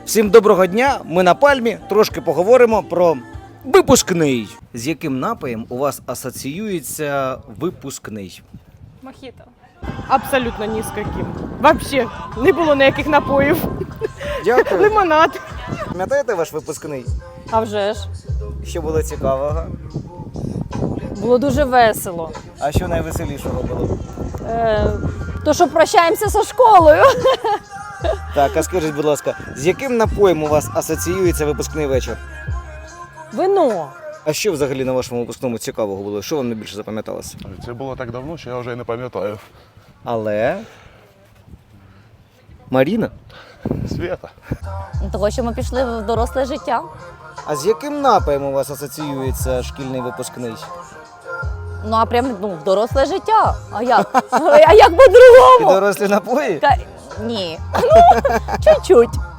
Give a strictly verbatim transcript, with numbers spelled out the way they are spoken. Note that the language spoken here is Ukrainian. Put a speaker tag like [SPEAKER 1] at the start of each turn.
[SPEAKER 1] Всім доброго дня, ми на Пальмі, трошки поговоримо про випускний. З яким напоєм у вас асоціюється випускний?
[SPEAKER 2] Мохіто.
[SPEAKER 3] Абсолютно ні з яким. Вообще не було ніяких напоїв.
[SPEAKER 1] Дякую.
[SPEAKER 3] Лимонад.
[SPEAKER 1] Пам'ятаєте ваш випускний?
[SPEAKER 2] А вже ж.
[SPEAKER 1] Що було цікавого?
[SPEAKER 2] Було дуже весело.
[SPEAKER 1] А що найвеселішого було?
[SPEAKER 2] Е, то, що прощаємося зі школою.
[SPEAKER 1] Так, а скажіть, будь ласка, з яким напоєм у вас асоціюється випускний вечір?
[SPEAKER 2] Вино.
[SPEAKER 1] А що взагалі на вашому випускному цікавого було? Що вам найбільше запам'яталося?
[SPEAKER 4] Це було так давно, що я вже і не пам'ятаю.
[SPEAKER 1] Але... Маріна?
[SPEAKER 4] Свята.
[SPEAKER 5] Того, що ми пішли в доросле життя.
[SPEAKER 1] А з яким напоєм у вас асоціюється шкільний випускний?
[SPEAKER 5] Ну а прям ну, в доросле життя. А як? А як
[SPEAKER 1] І
[SPEAKER 5] по-другому?
[SPEAKER 1] дорослі напої?
[SPEAKER 5] Ка- Ні. Ну, чуть-чуть.